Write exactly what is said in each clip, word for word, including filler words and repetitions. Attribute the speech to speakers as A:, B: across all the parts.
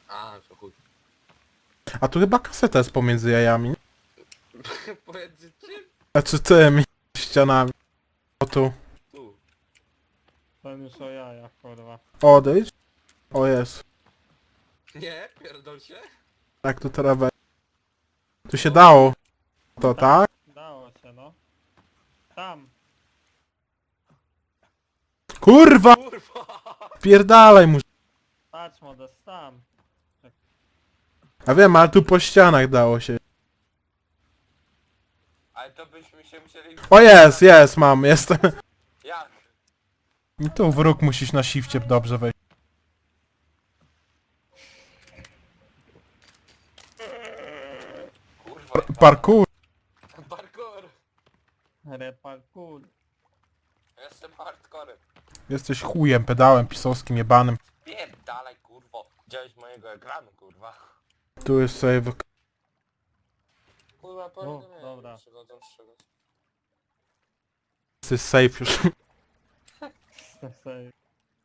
A: A, to chuj.
B: A tu chyba kaseta jest pomiędzy jajami.
A: Pomiędzy czym?
B: Znaczy tymi ścianami. O tu.
A: Tu.
C: Ten już o jajach, kurwa.
B: Odejdź. O jest.
A: Nie, pierdol się.
B: Jak tu teraz wejść? Tu się dało. To tak?
C: Dało się, no. Tam.
B: Kurwa!
A: Kurwa!
B: Pierdalaj mu.
C: Patrz, Modest, tam.
B: A wiem, ale tu po ścianach dało się.
A: Ale to byśmy się musieli...
B: O jest, jest, mam, jestem.
A: Jak?
B: I tu w róg musisz na shifcie dobrze wejść.
A: Kurwa.
B: Parkour.
A: Parkour.
C: Reparkour.
A: Jestem hardcorem.
B: Jesteś chujem, pedałem pisowskim jebanym.
A: Pierdalaj, kurwo. Widziałeś mojego ekranu, kurwa.
B: Tu jest save.
A: Kurwa,
C: O,
A: powiedzmy.
C: dobra.
A: Przychodzą z czegoś.
B: To jest save już.
C: Save.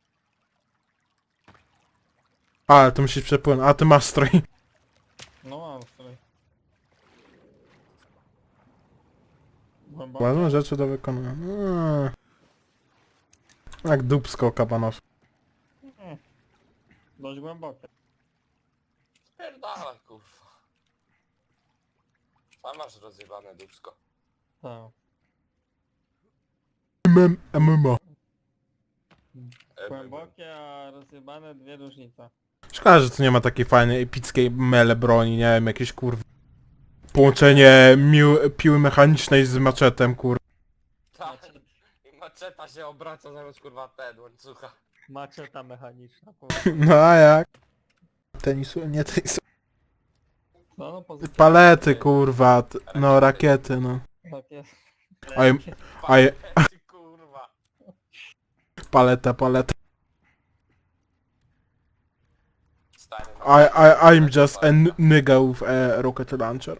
B: Ale to musisz przepłynąć. A ty masz strój.
C: No mam strój. Głęboko.
B: Ważne rzeczy do wykonania. Eee. Jak dupsko kabanos.
C: Mm. Dość głębokie.
A: Pierdalaj, kurwa. Sam masz rozjebane dupsko.
C: Tak.
B: M M O.
A: E,
C: Głębokie, a rozjebane dwie różnice.
B: Szkoda, że tu nie ma takiej fajnej, epickiej mele broni, nie wiem, jakieś kurwa. Połączenie mił, piły mechanicznej z maczetem, kur...
A: Tak. I maczeta się obraca zamiast kurwa ten łańcucha.
C: Maczeta mechaniczna, kurwa.
B: No a jak? Tenisu, nie tenisu.
C: No, no pozycja.
B: Palety, kurwa, t- no rakiety, no.
C: Tak jest.
B: A, im- a, je-
A: Palety, kurwa.
B: paleta, paleta.
A: Stary, no.
B: I, I, I'm just a n- nigga with a rocket launcher.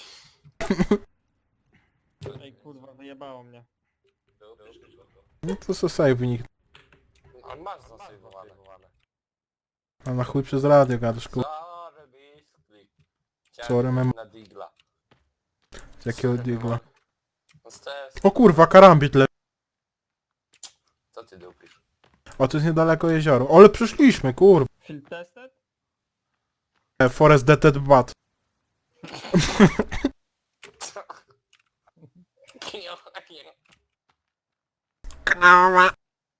C: Ej, kurwa, wyjebało mnie.
B: No to so save nikt.
A: On masz zasejwowane.
B: A na chuj przez radio gadasz, kur...
A: Sorry, bisklik.
B: Sorry, mem-
A: na digla.
B: Z jakiego digla.
A: No z tes-
B: O kurwa, karambit le...
A: Co ty dupisz?
B: O, to jest niedaleko jezioro. Ale przyszliśmy, kurwa.
C: Field tested?
B: E, Forest Dead Bat.
A: Knała.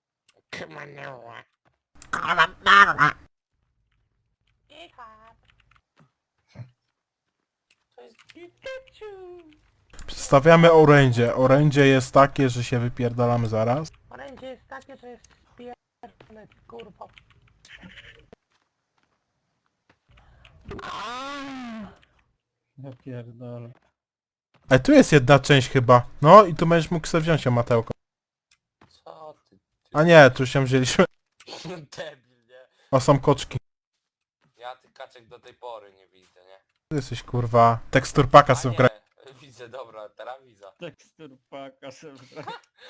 A: To jest Pikachu.
B: Przedstawiamy orędzie. Orędzie jest takie, że się wypierdalamy zaraz.
A: Orędzie jest takie, że jest spierdolone, kurwa.
C: Ja pierdolę.
B: E, tu jest jedna część chyba. No i tu będziesz mógł sobie wziąć o matełko.
A: Co ty? ty...
B: A nie, tu się wzięliśmy.
A: Debil, nie?
B: O, są koczki.
A: Ja tych kaczek do tej pory nie widzę, nie?
B: Ty jesteś kurwa. Tekstur paka
A: A
B: sobie
A: nie,
B: wgra...
A: widzę, dobra, teraz widzę.
C: Tekstur paka szybko.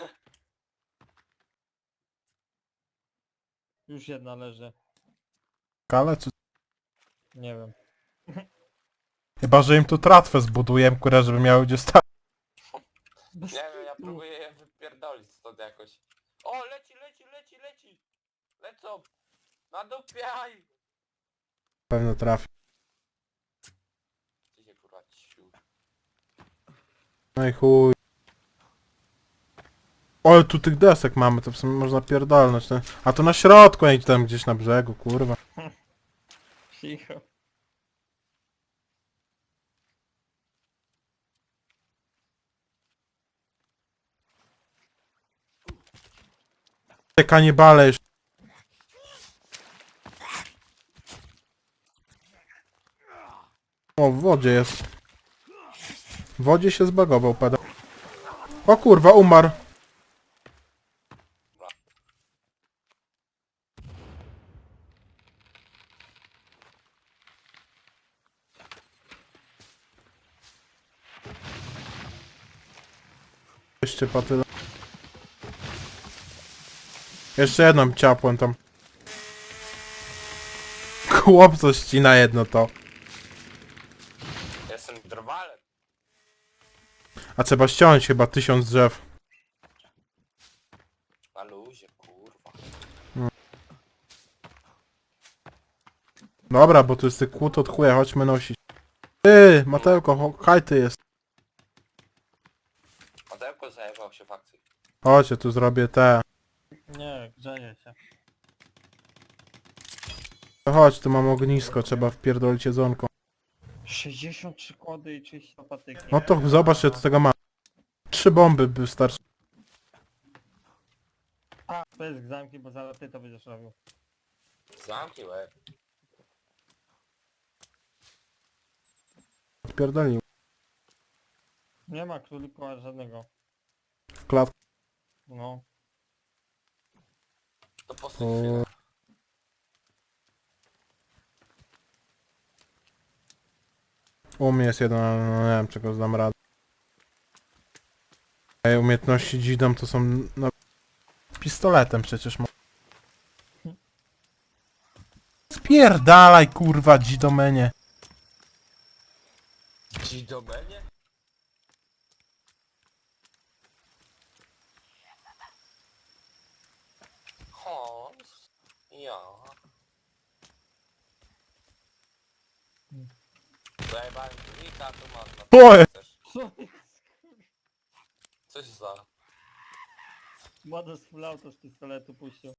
C: Już jedna leży.
B: Ale czy...
C: Nie wiem.
B: Chyba, że im tu tratwę zbuduję, kurwa, żeby miały gdzie stać.
A: Nie wiem, ja próbuję je wypierdolić stąd jakoś. O, leci, leci, leci, leci! Lecą! Nadupiaj!
B: Pewno trafi.
A: Ty się kurwa ciu.
B: No i chuj. O, tu tych desek mamy, to w sumie można pierdolnąć. Nie? A to na środku, a nie tam gdzieś na brzegu, kurwa.
C: Cicho.
B: Te kanibale jeszcze. O, w wodzie jest. W wodzie się zbagował, pedał. O kurwa, umarł. Jeszcze patyle. Jeszcze jedną ciapłem tam. chłop co ścina jedno to.
A: Jestem drwalem.
B: A trzeba ściąć chyba tysiąc drzew.
A: Na luzie, kurwa.
B: Dobra, bo tu jest ty kłód od chuja, chodźmy nosić. Ty, Matełko, ho- haj ty jest.
A: Madełko zajebał się w akcji.
B: Chodź, ja tu zrobię te.
C: Nie, grzeje się.
B: Chodź, tu mam ognisko, trzeba wpierdolić jedzonko.
C: sześćdziesiąt trzy kłody i trzydzieści patyki.
B: No to zobacz, ja do tego mam. Trzy bomby by wystarczy.
C: A, to jest zamki, bo zaraz ty to będziesz robił.
A: Zamknij łeb.
B: Odpierdolił.
C: Nie ma królika żadnego.
B: W klatce.
C: No.
A: To postój chwilę.
B: U mnie jest jeden, ale no nie wiem czego zdam radę. Ej, umiejętności dzidom to są... No, pistoletem przecież mo... Spierdalaj kurwa dzidomenie.
A: Ci do mnie? Hans. Ja. Zajebałem królika, tu masz na
B: Oj!
A: chcesz.
C: Co jest?
A: Coś za...
C: Młody z full auto z pistoletu puścił.